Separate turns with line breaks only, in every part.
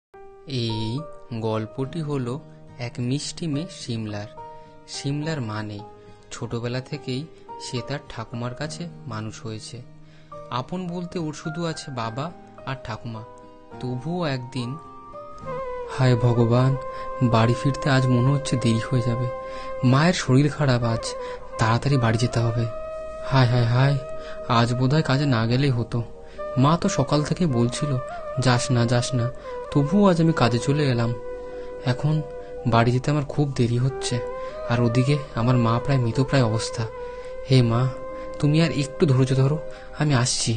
এই গল্পটি হলো এক মিষ্টি মেয়ে সিমলার। সিমলার মা নেই, ছোটবেলা থেকেই সে তার ঠাকুমার কাছে মানুষ হয়েছে। আপন বলতে ওর শুধু আছে বাবা আর ঠাকুমা। তবুও একদিন, হায় ভগবান, বাড়ি ফিরতে আজ মনে হচ্ছে দেরি হয়ে যাবে। মায়ের শরীর খারাপ, আজ তাড়াতাড়ি বাড়ি যেতে হবে। হায় হায় হায়, আজ বোধহয় কাজে না গেলেই হতো। মা তো সকাল থেকে বলছিল যাস না যাস না, তবুও আজ আমি কাজে চলে এলাম। এখন বাড়ি যেতে আমার খুব দেরি হচ্ছে, আর ওদিকে আমার মা প্রায় মৃতপ্রায় অবস্থা। হে মা, তুমি আর একটু ধৈর্য ধরো, আমি আসছি।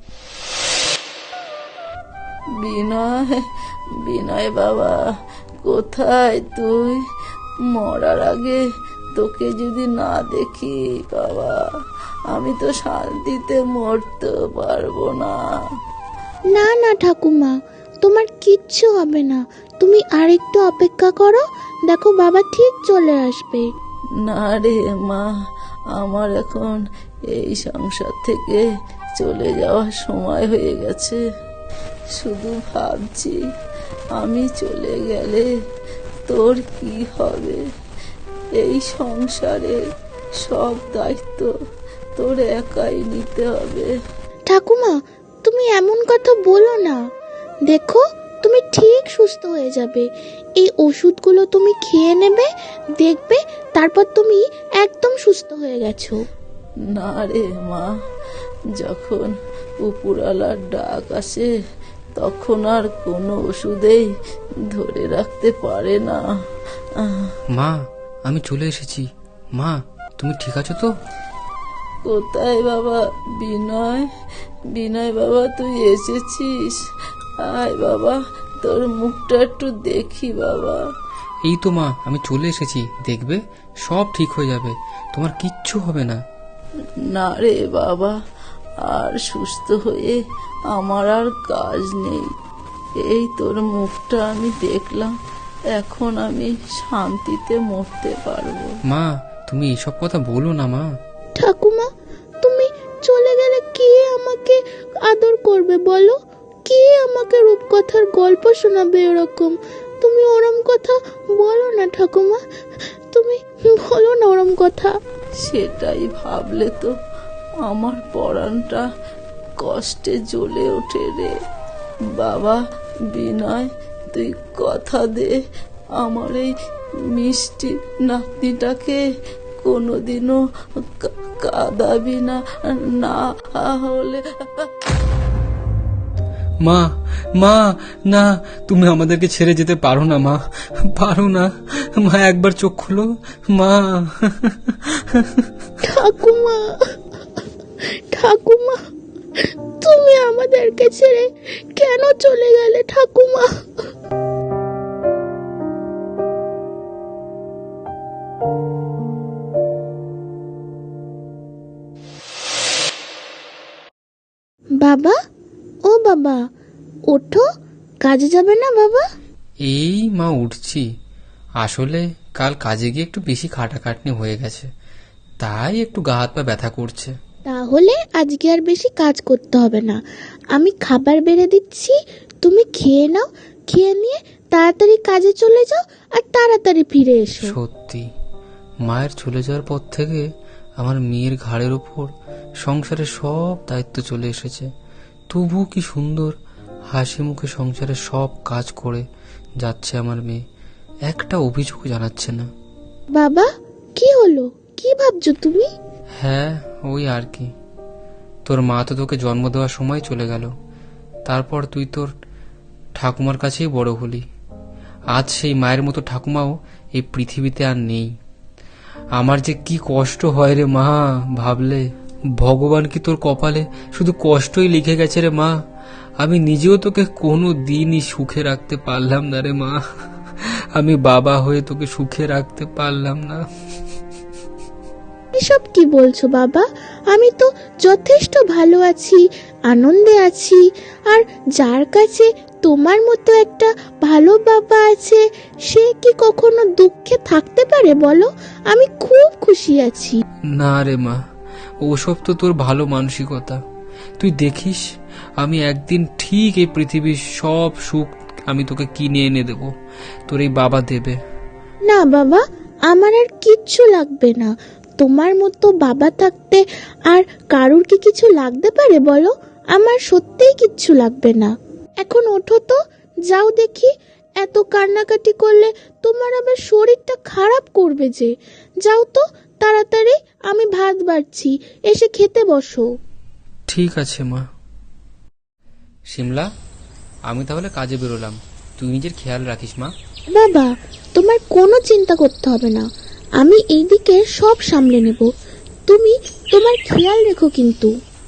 বিনয়, বিনয় বাবা, কোথায় তুই? মরার আগে তোকে যদি না দেখি বাবা, আমি তো শান্তিতে মরতে পারবো না।
না না ঠাকুমা, তোমার কিচ্ছু হবে না। তুমি আরেকটু অপেক্ষা করো, দেখো বাবা ঠিক চলে আসবে।
না রে মা, আমার এখন এই সংসার থেকে চলে যাওয়ার সময় হয়ে গেছে। শুধু ভাবছি, আমি চলে গেলে তোর কি হবে? এই সংসারের সব দায়িত্ব তোর একাই নিতে হবে।
ঠাকুমা, তুমি এমন কথা বলো না। দেখো, তুমি ঠিক সুস্থ হয়ে যাবে। এই ওষুধগুলো তুমি খেয়ে নেবে, দেখবে তারপর তুমি একদম সুস্থ হয়ে গেছো।
না রে মা, যখন উপরওয়ালার ডাক আসে তখন আর কোনো ওষুধেই ধরে রাখতে পারে না।
মা, আমি চলে এসেছি। মা, তুমি ঠিক আছো তো?
কোথায় বাবা বিনয়? বিনয় বাবা, তুই এসেছিস? আয় বাবা, তোর মুখটা একটু দেখি বাবা।
এই তো মা, আমি চলে এসেছি, দেখবে সব ঠিক হয়ে যাবে, তোমার কিচ্ছু হবে না।
না রে বাবা, আর সুস্থ হয়ে আমার আর কাজ নেই। এই তোর মুখটা আমি দেখলাম, এখন আমি শান্তিতে মরতে পারবো।
মা, তুমি এসব কথা বলো না মা।
ঠাকুমা, তুমি চলে গেলে কে আমাকে আদর করবে বলো? কে আমাকে রূপকথার গল্প শোনাবে? এরকম তুমি ওরম কথা বলো না ঠাকুমা, তুমি বলো না ওরম কথা।
সেটাই ভাবলে তো আমার পরাণটা কষ্টে জ্বলে ওঠে রে বাবা। বিনয়, তুই কথা দে, আমার এই মিষ্টি নাতনিটাকে কোনোদিনও কাঁদাবি না। না হলে
মা, মা, না, তুমি আমাদেরকে ছেড়ে যেতে পারো না মা, পারো না মা, একবার চোখ খুলো মা।
ঠাকুমা, ঠাকুমা, তুমি আমাদেরকে ছেড়ে কেন চলে গেলে ঠাকুমা? বাবা, ও বাবা, ওঠো, কাজে যাবে না বাবা?
এই মা, উঠছি। আসলে কাল কাজে গিয়ে একটু বেশি খাটাখাটনি হয়ে গেছে, তাই একটু গা হাত পা ব্যথা করছে।
তাহলে আজকে আর বেশি কাজ করতে হবে না। আমি খাবার বেড়ে দিচ্ছি, তুমি খেয়ে নাও। খেয়ে নিয়ে তাড়াতাড়ি কাজে চলে যাও আর তাড়াতাড়ি ফিরে এসো।
সত্যি, মায়ের চলে যাওয়ার পর থেকে আমার মেয়ের ঘাড়ের ওপর সংসারের সব দায়িত্ব চলে এসেছে। তবু কি সুন্দর হাসি মুখে সংসারের সব কাজ করে যাচ্ছে আমার মেয়ে, একটা অভিযোগ জানাচ্ছে না।
বাবা, কি হলো? কি ভাবছো তুমি?
হ্যাঁ, ওই আর কি। তোর মা তো তোকে জন্ম দেওয়ার সময় চলে গেল, তারপর তুই তোর ঠাকুমার কাছেই বড় হলি। আজ সেই মায়ের মতো ঠাকুমাও এই পৃথিবীতে আর নেই। আমার যে কি কষ্ট হয় রে মা, ভাবলে। ভগবান কি তোর কপালে শুধু কষ্টই লিখে গেছে রে মা? আমি নিজেও তোকে কোনো দিনই সুখে রাখতে পারলাম না রে মা। আমি বাবা হয়ে তোকে সুখে রাখতে পারলাম না।
এসব কি বলছো বাবা? আমি তো যথেষ্ট ভালো আছি, আনন্দে আছি। আর যার কাছে তোমার মতো একটা ভালো বাবা আছে, সে কি কখনো দুঃখে থাকতে পারে বলো? আমি খুব খুশি আছি।
না রে মা, ওসব তো তোর ভালো মানসিকতা। তুই দেখিস, আমি একদিন ঠিক এই পৃথিবীর সব সুখ আমি তোকে কিনে এনে দেবো, তোর এই বাবা দেবে।
না বাবা, আমার আর কিচ্ছু লাগবে না। তোমার মতো বাবা থাকতে আর কারুর কি কিছু লাগতে পারে বলো? আমার সত্যিই কিচ্ছু লাগবে না। এখন ওঠো তো, যাও দেখি। এত কান্নাকাটি করলে তোমার আবার শরীরটা খারাপ করবে যে। যাও তো তাড়াতাড়ি, আমি ভাত বাড়ছি, এসে খেতে বসো।
ঠিক আছে মা। শিমলা, আমি তাহলে কাজে বেরোলাম, তুই নিজের খেয়াল রাখিস মা।
বাবা, তোমার কোনো চিন্তা করতে হবে না, আমি এইদিকে সব সামলে নেব। তুমি তোমার খেয়াল রেখো কিন্তু।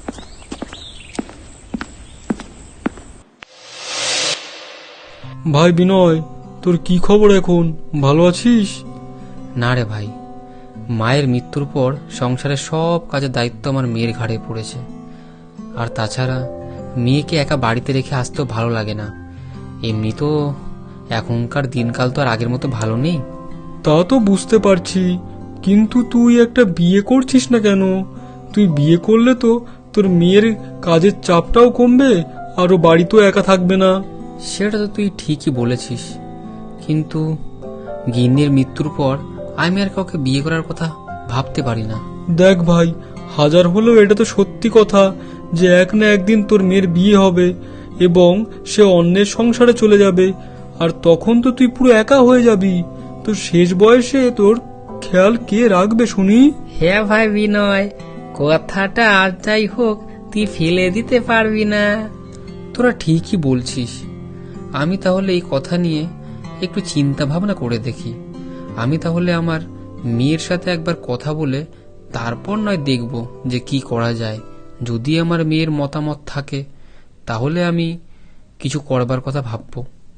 ভাই বিনয়, তোর কি খবর এখন? ভালো আছিস?
না রে ভাই, মায়ের মৃত্যুর পর সংসারের সব কাজের দায়িত্ব আমার মেয়ের ঘাড়ে পড়েছে। আর তাছাড়া মেয়েকে একা বাড়িতে রেখে আসতেও ভালো লাগে না। এমনি তো এখনকার দিনকাল তো আর আগের মতো ভালো নেই।
তা তো বুঝতে পারছি, কিন্তু তুই একটা বিয়ে করছিস না কেন? তুই বিয়ে করলে তো তোর মেয়ের কাজের চাপটাও কমবে, আরো বাড়িতেও একা থাকবে না।
সেটা তো তুই ঠিকই বলেছিস, কিন্তু গিন্নির মৃত্যুর পর আমি আর কাউকে বিয়ে করার কথা ভাবতে পারি না।
দেখ ভাই, হাজার হলেও এটা তো সত্যি কথা যে এক না একদিন তোর মেয়ের বিয়ে হবে এবং সে অন্যের সংসারে চলে যাবে, আর তখন তো তুই পুরো একা হয়ে যাবি। তো শেষ বয়সে তোর খেয়াল কে রাখবে শুনি?
হ্যাঁ ভাই বিনয়, কথাটা আর যাই হোক তুই ফেলে দিতে পারবি না। তোরা ঠিকই বলছিস, আমি তাহলে এই কথা নিয়ে একটু চিন্তা ভাবনা করে দেখি। আমি তাহলে আমার মেয়ের সাথে একবার কথা বলে তারপর নয় দেখব যে কি করা যায়। যদি আমার মেয়ের মতামত থাকে তাহলে আমি কিছু করবার কথা ভাবব।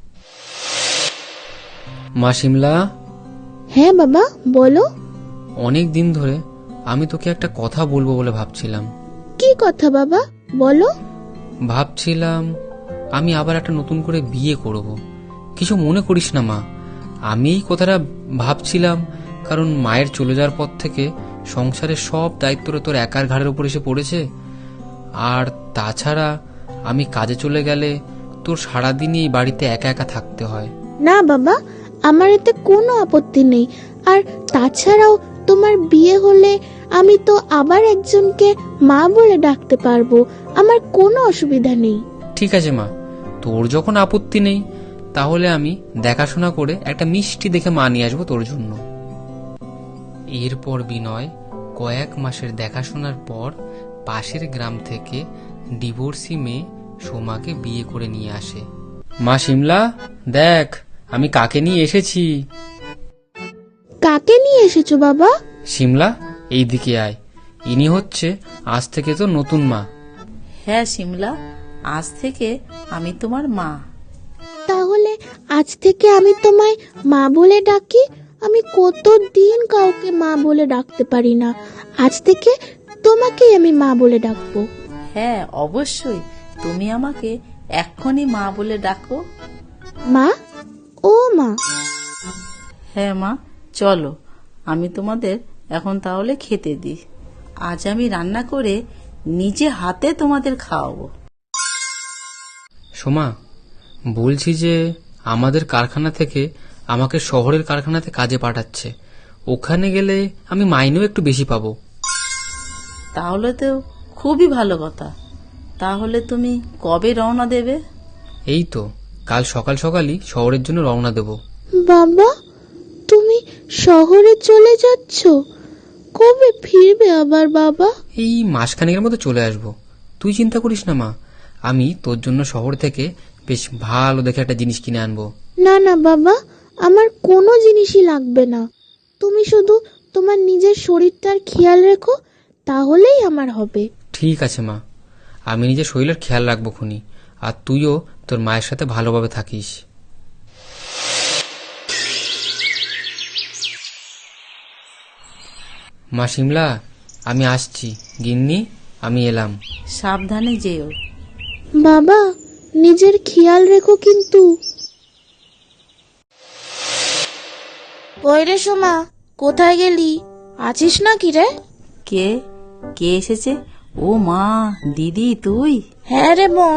মা শিমলা।
হ্যাঁ বাবা, বলো।
অনেক দিন ধরে আমি তোকে একটা কথা বলবো বলে ভাবছিলাম।
কি কথা বাবা, বলো।
ভাবছিলাম আমি আবার একটা নতুন করে বিয়ে করব। কিছু মনে করিস না মা, আমি এই কথাটা ভাবছিলাম কারণ মায়ের চলে যাওয়ার পর থেকে সংসারের সব দায়িত্বটা তোর একার ঘাড়ের উপর এসে পড়েছে। আর তাছাড়া আমি কাজে চলে গেলে তোর সারাদিনই এই বাড়িতে একা একা থাকতে হয়।
না বাবা, আমার এতে কোনো আপত্তি নেই। আর তাছাড়াও তোমার বিয়ে হলে আমি তো আবার একজনকে মা বলে ডাকতে পারবো, আমার কোনো অসুবিধা নেই।
ঠিক আছে মা, তোর যখন আপত্তি নেই তাহলে আমি দেখাশোনা করে একটা মিষ্টি দেখে মা নিয়ে আসবো তোর জন্য। এরপর বিনয় কয়েক মাসের দেখাশোনার পর পাশের গ্রাম থেকে ডিভোর্সি মেয়ে সোমাকে বিয়ে করে নিয়ে আসে। মা শিমলা, দেখ আমি কাকে নিয়ে এসেছি।
কাকে নিয়ে এসেছো বাবা?
শিমলা, এই দিকে আয়, ইনি হচ্ছে আজ থেকে তো নতুন মা।
হ্যাঁ শিমলা, আজ থেকে আমি তোমার মা।
তাহলে আজ থেকে আমি তোমায় মা বলে ডাকি। আমি কতদিন কাউকে মা বলে ডাকতে পারি না, আজ থেকে তোমাকেই আমি মা বলে ডাকবো।
হ্যাঁ অবশ্যই, তুমি আমাকে এক্ষুনি মা বলে ডাকো।
মা, ও মা।
হ্যাঁ মা, চলো আমি তোমাদের এখন তাহলে খেতে দিই। আজ আমি রান্না করে নিজে হাতে তোমাদের খাওয়াবো।
সোমা, বলছি যে আমাদের কারখানা থেকে আমাকে শহরের কারখানাতে কাজে পাঠাচ্ছে, ওখানে গেলে আমি মাইনেও একটু বেশি পাবো।
তাহলে তো খুবই ভালো কথা। তাহলে তুমি কবে রওনা দেবে?
এই তো কাল সকাল সকালই শহরের জন্য রওনা দেব।
বাবা, তুমি শহরে চলে যাচ্ছ? কবে ফিরবে আবার বাবা?
এই মাসখানেকের মধ্যে চলে আসবো, তুই চিন্তা করিস না মা। আমি তোর জন্য শহর থেকে বেশ ভালো দেখে একটা জিনিস কিনে আনবো।
না না বাবা, আমার কোনো জিনিসই লাগবে না। তুমি শুধু তোমার নিজের শরীরটার খেয়াল রেখো, তাহলেই আমার হবে।
ঠিক আছে মা, আমি নিজের শরীরের খেয়াল রাখবো খুনি, আর তুইও তোর মায়ের সাথে ভালোভাবে থাকিস। মা শিমলা, আমি আসছি। গিন্নি, আমি এলাম।
সাবধানে যেও।
বাবা, নিজের খেয়াল রেখো কিন্তু। ওই রে সোমা, কোথায় গেলি? আছিস না কি রে?
কে কে এসেছে? ও মা, দিদি তুই?
হ্যাঁ রে বোন,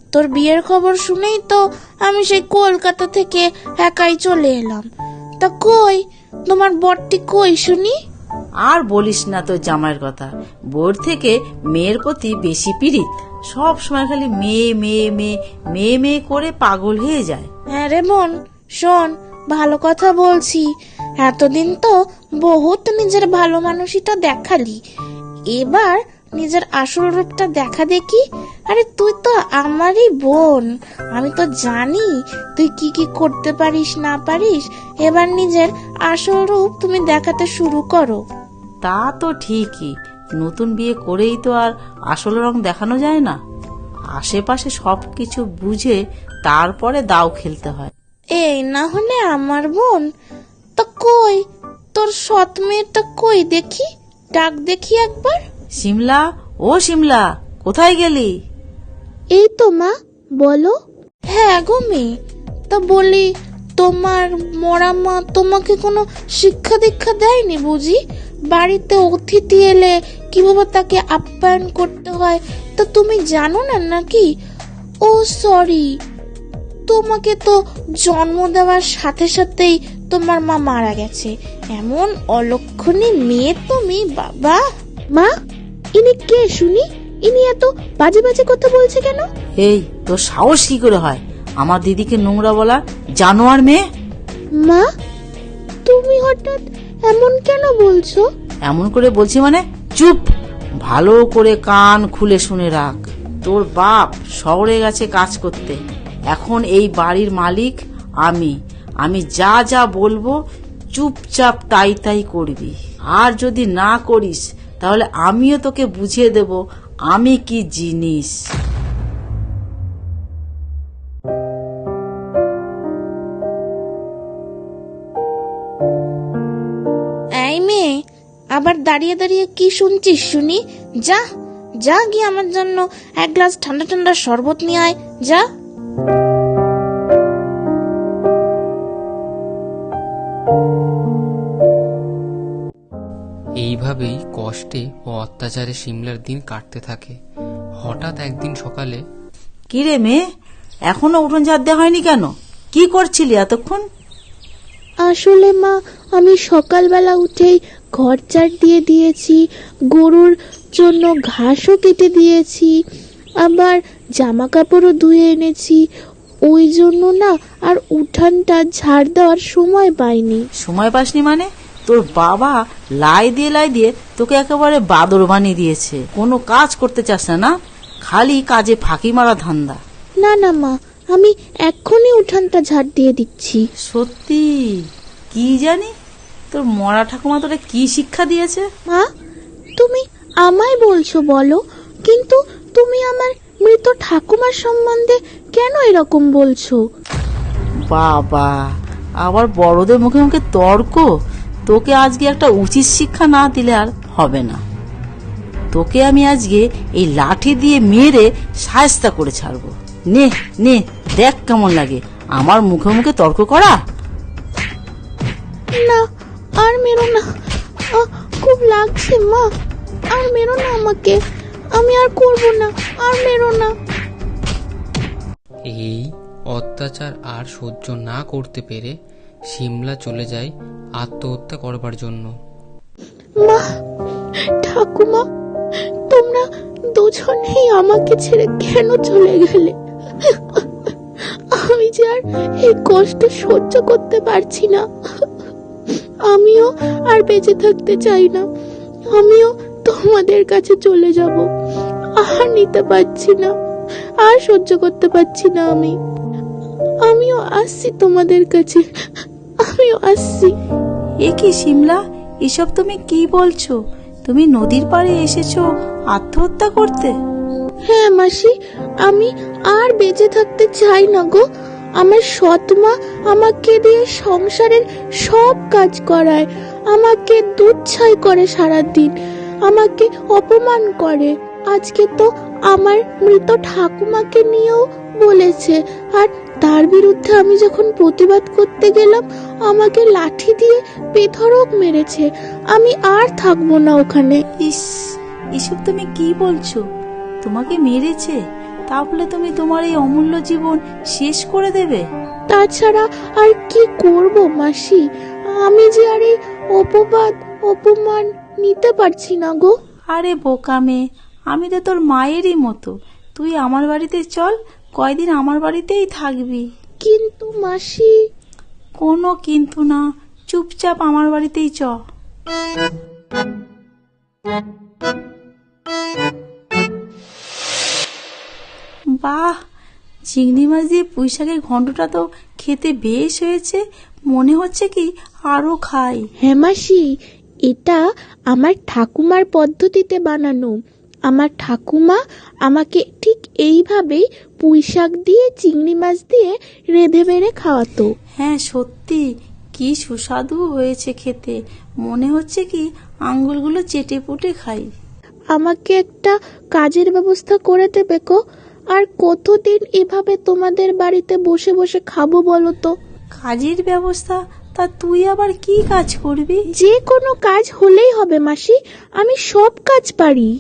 তোর বিয়ের খবর শুনেই তো আমি সেই কলকাতা থেকে একাই চলে এলাম। তা কই তোমার বরটি কই শুনি?
আর বলিস না তোর জামাইয়ের কথা। বোর থেকে মেয়ের প্রতি বেশি পীড়িত, সব সময় খালি মেয়ে মেয়ে মেয়ে মেয়ে মেয়ে করে পাগল হয়ে যায়।
হ্যাঁ রে বোন, শোন, ভালো কথা বলছি। এতদিন তো বহুত নিজের ভালো মানুষটা দেখালি, এবার নিজের আসল রূপটা দেখা দেখি। আরে তুই তো আমারই বোন, আমি তো জানি তুই কি কি করতে পারিস না পারিস। এবার নিজের আসল রূপ তুমি দেখাতে শুরু করো।
তা তো ঠিকই, নতুন বিয়ে করেই তো আর আসল রং দেখানো যায় না। আশেপাশে সবকিছু বুঝে তারপরে দাও খেলতে হয়।
এই না হলে আমার বোন। তা কই তোর সৎ মেয়েটা কই দেখি, ডাক দেখি একবার।
শিমলা, ও শিমলা, কোথায় গেলি?
এই তো মা, বলো। হ্যাঁ গো মেয়ে, তা বলি তোমার মরা মা তোমাকে কোনো শিক্ষা দীক্ষা দেয়নি বুঝি? বাড়িতে অতিথি এলে কিভাবে তাকে আপ্যায়ন করতে হয় তা তুমি জানো না নাকি? ও সরি, তোমাকে তো জন্ম দেওয়ার সাথে সাথেই তোমার মা মারা গেছে। এমন অলক্ষণী মেয়ে তুমি, বাবা। মা, ইনি কে শুনি? ইনি এত বাজে বাজে কথা বলছে কেন?
এই তোর সাহস কি করে হয় আমার দিদিকে নোংরা বলা, জানোয়ার মেয়ে?
মা, তুমি হঠাৎ এমন কেন বলছো?
এমন করে বলছি মানে চুপ, ভালো করে কান খুলে শুনে রাখ। তোর বাপ শহরে গেছে কাজ করতে, এখন এই বাড়ির মালিক আমি। আমি যা যা বলবো চুপচাপ তাই তাই করবি। আর যদি না করিস তাহলে আমিও তোকে বুঝিয়ে দেব আমি কি জিনিস।
এই মেয়ে, আবার দাঁড়িয়ে দাঁড়িয়ে কি শুনছিস শুনি? যা যা গিয়ে আমার জন্য এক গ্লাস ঠান্ডা ঠান্ডা শরবত নিয়ে আয়, যা।
এইভাবেই কষ্টে ও অত্যাচারে সিমলার দিন কাটতে থাকে। হঠাৎ একদিন সকালে,
কি রে মেয়ে, এখনো উঠোন ঝাড় দেওয়া হয়নি কেন? কি করছিলি এতক্ষণ?
আসলে মা, আমি সকালবেলা উঠেই ঘর ঝাড় দিয়ে দিয়েছি, গরুর জন্য ঘাসও কেটে দিয়েছি, আবার জামা কাপড়ও ধুয়ে এনেছি। ওই জন্য না আর উঠানটা ঝাড় দেওয়ার সময় পাইনি।
সময় পাসনি মানে? তোর বাবা লাই দিয়ে তোকে একেবারে বাদর বানিয়ে দিয়েছে। কোনো কাজ করতে চাস না না, খালি কাজে ফাঁকি মারা ধান্দা।
না না মা, আমি এক্ষুনি উঠানটা ঝাড় দিয়ে দিচ্ছি।
সত্যি? কি জানি তোর মরা ঠাকুমা তোরে কি শিক্ষা দিয়েছে?
মা, তুমি আমায় বলছো বলো, কিন্তু তুমি আমার মৃত ঠাকুমার সম্বন্ধে কেন এরকম বলছো?
বাবা, আবার বড়দের মুখে মুখে তর্ক। তোকে আজকে একটা উচিত শিক্ষা না দিলে আর হবে না। তোকে আমি আজকে এই লাঠি দিয়ে মেরে শায়েস্তা করে ছাড়বো। নে নে, দেখ কেমন লাগে আমার মুখে মুখে তর্ক করা।
না, আর মেরো না, খুব লাগছে মা, আর মেরো না আমাকে, আমি আর করব না, আর মেরো না।
এই অত্যাচার আর সহ্য না করতে পেরে সিমলা চলে যায় আত্মহত্যা করবার জন্য।
মা, ঠাকুমা, তোমরা দুজনেই আমাকে ছেড়ে কেন চলে গেলে? আমি যে আর এই কষ্ট সহ্য করতে পারছি না। আমিও আর বেঁচে থাকতে চাই না, আমিও তোমাদের কাছে চলে যাব। আর নিতে পারছি না, আর সহ্য করতে পারছি না। আমিও আসছি তোমাদের কাছে, আমিও আসছি।
এ কি শিমলা, এসব তুমি কি বলছো? তুমি নদীর পাড়ে এসেছো আত্মহত্যা করতে?
হ্যাঁ মাসি, আমি আর বেঁচে থাকতে চাই না গো। আমার সৎ মা আমাকে দিয়ে সংসারের সব কাজ করায়, আমাকে দুধ ছাই করে সারাদিন, আমাকে অপমান করে। আজকে তো আমার মৃত ঠাকুমাকে নিয়েও বলেছে, আর তার বিরুদ্ধে আমি যখন প্রতিবাদ করতে গেলাম আমাকে লাঠি দিয়ে বেধড়ক মেরেছে। আমি আর থাকবো না ওখানে।
ইস, এসব তুমি কি বলছো? তোমাকে মেরেছে? তাহলে তুমি তোমার এই অমূল্য জীবন শেষ করে দেবে?
তাছাড়া আর কি করব মাসি, আমি যে আর এই অপবাদ অপমান নিতে পারছি না গো।
আরে বোকা মেয়ে, আমি তো তোর মায়েরই মতো। তুই আমার বাড়িতে চল, কয়দিন আমার বাড়িতেই থাকবি।
কিন্তু মাসি।
কোনো কিন্তু না, চুপচাপ আমার বাড়িতেই চ। বাহ, চিংড়ি মাছ দিয়ে পুঁইশাকের ঘন্টটা তো খেতে বেশ হয়েছে। মনে হচ্ছে কি আরো খাই।
হ্যাঁ মাসি, এটা আমার ঠাকুমার পদ্ধতিতে বানানো। আমার ঠাকুমা আমাকে ঠিক এইভাবেই পুঁইশাক দিয়ে চিংড়ি মাছ দিয়ে রেঁধে বেড়ে খাওয়াতো।
হ্যাঁ সত্যি, কি সুস্বাদু হয়েছে খেতে। মনে হচ্ছে কি আঙ্গুলগুলো চেটে পুটে খাই।
আমাকে একটা কাজের ব্যবস্থা করে দেবে গো। আর কতদিন এভাবে তোমাদের বাড়িতে বসে বসে খাবো বলো তো?
কাজের ব্যবস্থা? তা তুই আবার কি কাজ করবি?
যে কোনো কাজ হলেই হবে মাসি, আমি সব কাজ পারি।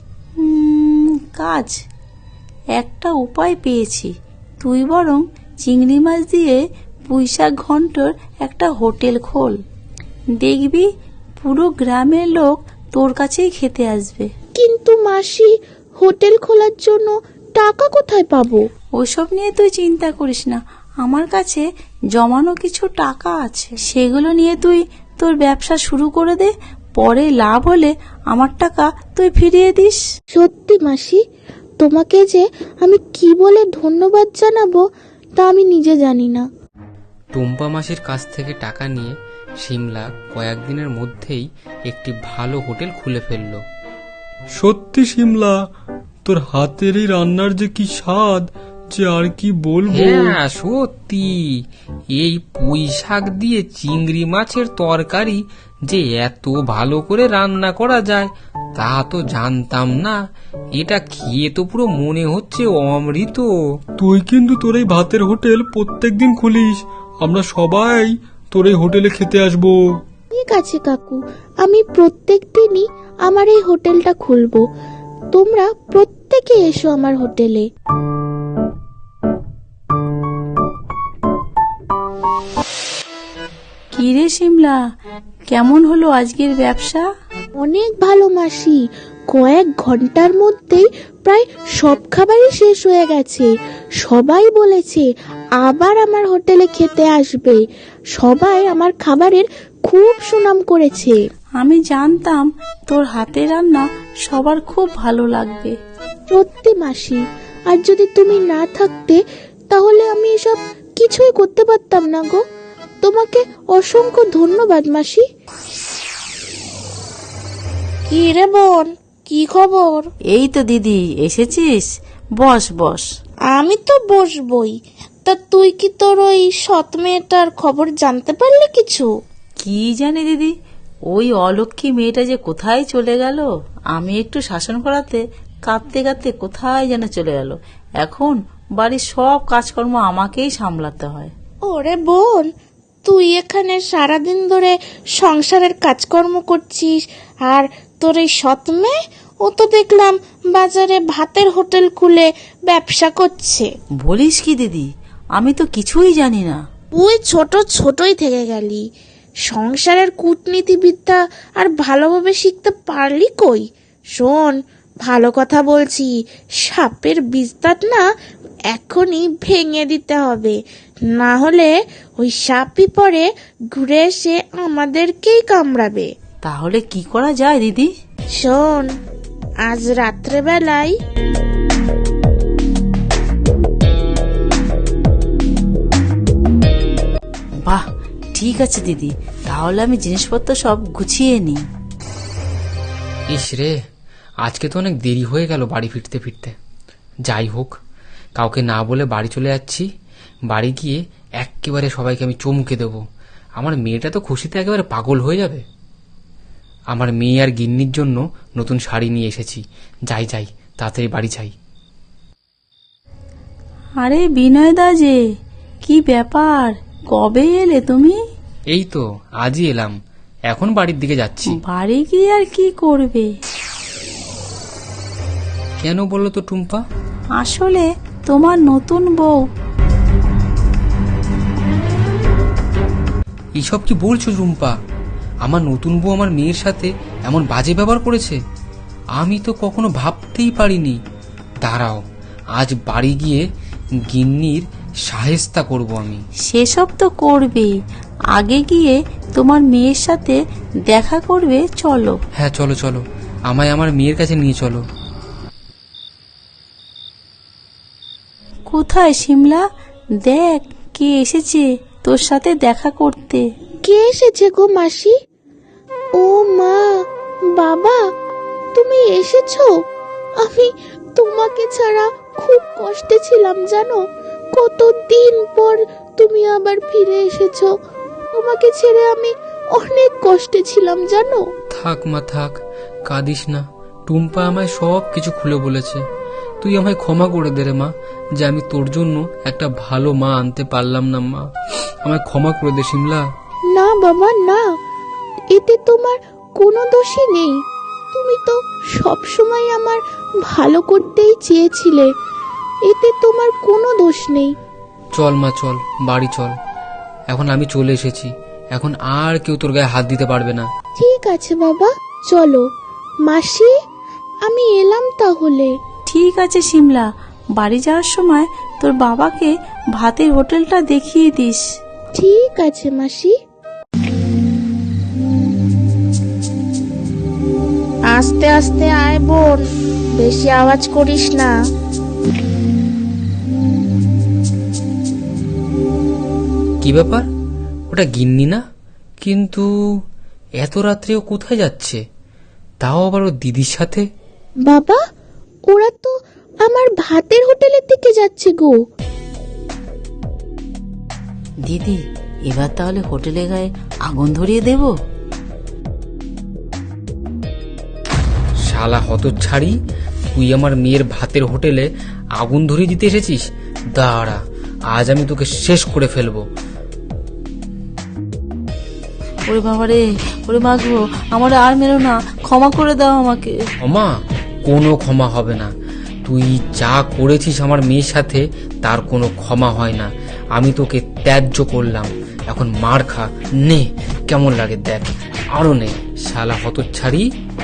কাজ? একটা উপায় পেয়েছি। তুই বরং চিংড়ি মাছ দিয়ে পুঁইশাক ঘন্টর একটা হোটেল খোল। দেখবি পুরো গ্রামের লোক তোর কাছেই খেতে আসবে।
কিন্তু মাসি, হোটেল খোলার জন্য টাকা কোথায় পাবো?
ওসব নিয়ে তুই চিন্তা করিস না, আমার কাছে জমানো কিছু টাকা আছে। সেগুলো নিয়ে তুই তোর ব্যবসা শুরু করে দে। পরে লাভ হলে আমার টাকা তুই ফিরিয়ে দিস।
সত্যি মাসি, তোমাকে যে আমি কি বলে ধন্যবাদ জানাবো তা আমি নিজে জানি না।
টুম্পা মাসির কাছ থেকে টাকা নিয়ে শিমলা কয়েকদিনের মধ্যেই একটি ভালো হোটেল খুলে ফেলল।
সত্যি শিমলা, তোর হাতের এই রান্নার যে কি স্বাদ, যে আর কি বলবো।
হ্যাঁ সত্যি, এই পুঁই শাক দিয়ে চিংড়ি মাছের তরকারি যে এত ভালো করে রান্না করা যায় তা তো জানতাম না। এটা খেয়ে তো পুরো মনে হচ্ছে অমৃত।
তুই কিন্তু তোর এই ভাতের হোটেল প্রত্যেকদিন খুলিস, আমরা সবাই তোর এই হোটেলে খেতে আসবো।
ঠিক আছে কাকু, আমি প্রত্যেক দিনই আমার এই হোটেলটা খুলবো। তোমরা প্রত্যেকে এসো আমার হোটেলে।
কি রে শিমলা, কেমন হলো আজকের ব্যবসা?
অনেক ভালো মাসি, কয়েক ঘন্টার মধ্যেই প্রায় সব খাবারই শেষ হয়ে গেছে। সবাই বলেছে আবার আমার হোটেলে খেতে আসবে। সবাই আমার খাবারের খুব সুনাম করেছে।
আমি জানতাম তোর হাতে রান্না সবার খুব ভালো লাগবে।
সত্যি মাসি, আর যদি তুমি না থাকতে তাহলে আমি এসব কিছুই করতে পারতাম না গো। তোমাকে অসংখ্য ধন্যবাদ মাসি। কি রে বোন, কি খবর?
এই তো দিদি, এসেছিস? বস বস।
আমি তো বসবই। তা তুই কি তোর ওই সৎ মেয়েটার খবর জানতে পারলি কিছু?
কি জানি দিদি, ওই অলক্ষী মেয়েটা যে কোথায় চলে গেল। আমি একটু শাসন করাতে কাঁদতে কাঁদতে কোথায় যেন চলে গেল। এখন বাড়ির সব কাজকর্ম আমাকেই সামলাতে হয়।
ওরে বোন, তুই এখানে সারাদিন ধরে সংসারের কাজকর্ম করছিস, আর তোর এই সৎ মেয়ে, ও তো দেখলাম বাজারে ভাতের হোটেল খুলে ব্যবসা করছে।
বলিস কি দিদি, আমি তো কিছুই জানি না।
তুই ছোটই থেকে গেলি, সংসারের কূটনীতিবিদ্যা আর ভালোভাবে শিখতে পারলি কই? শোন, ভালো কথা বলছি, সাপের বিস্তার না এখনই ভেঙে দিতে হবে, না হলে ওই সাপই পরে ঘুরে এসে আমাদেরকেই কামড়াবে।
তাহলে কি করা যায় দিদি?
শোন, আজ রাত্রেবেলায়
বাহ, ঠিক আছে দিদি, তাহলে আমি জিনিসপত্র সব গুছিয়ে নিই।
ইস রে, আজকে তো অনেক দেরি হয়ে গেল বাড়ি ফিরতে ফিরতে। যাই হোক, কাউকে না বলে বাড়ি চলে যাচ্ছি। বাড়ি গিয়ে একেবারে সবাইকে আমি চমকে দেব। আমার মেয়েটা তো খুশিতে একেবারে পাগল হয়ে যাবে। আমার মেয়ে আর গিন্নির জন্য নতুন শাড়ি নিয়ে এসেছি। যাই যাই, তাড়াতাড়ি বাড়ি যাই।
আরে বিনয় দা যে, কি ব্যাপার, কবে এলে তুমি?
এই তো আজই এলাম, এখন বাড়ির দিকে যাচ্ছি।
বাড়ি গিয়ে আর কি করবে?
কেন বললো তো টুম্পা?
আসলে তোমার নতুন বউ।
এইসব কি বলছো রুম্পা? আমার নতুন বউ আমার মেয়ের সাথে এমন বাজে ব্যবহার করেছে? আমি তো কখনো ভাবতেই পারিনি। দাঁড়াও, আজ বাড়ি গিয়ে গিন্নির সাহেস্তা করব আমি।
সেসব তো করবেই, আগে গিয়ে তোমার মেয়ের সাথে দেখা করবে। চলো।
হ্যাঁ চলো চলো, আমায় আমার মেয়ের কাছে নিয়ে চলো।
কোথায় শিমলা? দেখ কে এসেছে তোর সাথে দেখা করতে।
কে এসেছে গো মাসি? ও মা, বাবা, তুমি এসেছো? আমি তোমাকে ছাড়া খুব কষ্টে ছিলাম জানো। কতদিন পর তুমি আবার ফিরে এসেছো। তোমাকে ছেড়ে আমি অনেক কষ্টে ছিলাম জানো।
থাক মা থাক, কাঁদিস না। টুম্পা আমায় সব কিছু খুলে বলেছে। তুই আমায় ক্ষমা করে দে রে মা, যে আমি তোর জন্য একটা ভালো মা আনতে পারলাম না। মা, আমায় ক্ষমা করে দে শিমলা।
না বাবা না, এতে তোমার কোনো দোষই নেই। তুমি তো সব সময় আমার ভালো করতেই চেয়েছিলে, এতে তোমার কোনো দোষ নেই।
চল মা চল, বাড়ি চল। এখন আমি চলে এসেছি, এখন আর কেউ তোর গায়ে হাত দিতে পারবে না।
ঠিক আছে বাবা, চলো। মাসি, আমি এলাম তাহলে।
ঠিক আছে শিমলা, বাড়ি যাওয়ার সময় তোর বাবাকে ভাতের হোটেলটা দেখিয়ে দিস।
ঠিক আছে মাসি। আস্তে আস্তে আয় বোন, বেশি আওয়াজ করিস না।
কি ব্যাপার, ওটা গিন্নি না? কিন্তু এত রাত্রে ও কোথায় যাচ্ছে, তাও আবার ওর দিদির সাথে?
বাবা, ওরা তো আমার ভাতের হোটেলের দিকে যাচ্ছে গো।
দিদি, এবার তাহলে হোটেলে গায়ে আগুন ধরিয়ে দেব।
শালা হতচ্ছাড়ি, তুই আমার মেয়ের ভাতের হোটেলে আগুন ধরিয়ে দিতে এসেছিস? দাঁড়া, আজ আমি তোকে শেষ করে ফেলবো।
ওরে বাবা রে, ওরে মা গো, আমার আর মেরো না, ক্ষমা করে দাও আমাকে।
ক্ষমা? কোনো ক্ষমা হবে না। তুই যা করেছিস আমার মেয়ের সাথে, তার কোনো ক্ষমা হয় না। আমি তোকে ত্যায্য করলাম, এখন মার খা। নে, কেমন লাগে দেখ, আরো নে। শালা হতচ্ছাড়ি।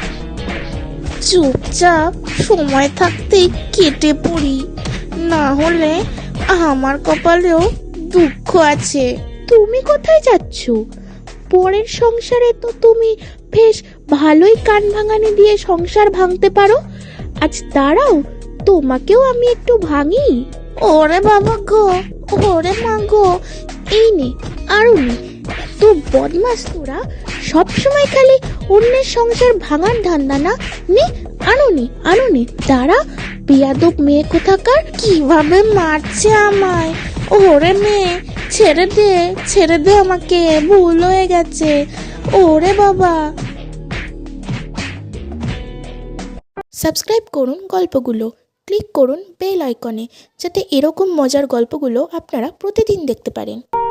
চুপচাপ সময় থাকতেই কেটে পড়ি, না হলে আমার কপালেও দুঃখ আছে। তুমি কোথায় যাচ্ছ? পরের সংসারে তো তুমি বেশ ভালোই কান ভাঙানি দিয়ে সংসার ভাঙতে পারো। আজ দাঁড়াও, তোমাকেও আমি একটু ভাঙি। ওরে বাবা গো, ওরে মা গো, এই নে, আরো নে। তো বদমাস তোরা, সবসময় খালি অন্যের সংসার ভাঙার ধান্দা না। নে, আনো নে, আনো নে। দাঁড়া, বেয়াদব মেয়ে কোথাকার, কিভাবে মারছে আমায়। ওরে মেয়ে, ছেড়ে দে আমাকে, ভুল হয়ে গেছে। ওরে বাবা। সাবস্ক্রাইব করুন গল্পগুলো, ক্লিক করুন বেল আইকনে, যাতে এরকম মজার গল্পগুলো আপনারা প্রতিদিন দেখতে পারেন।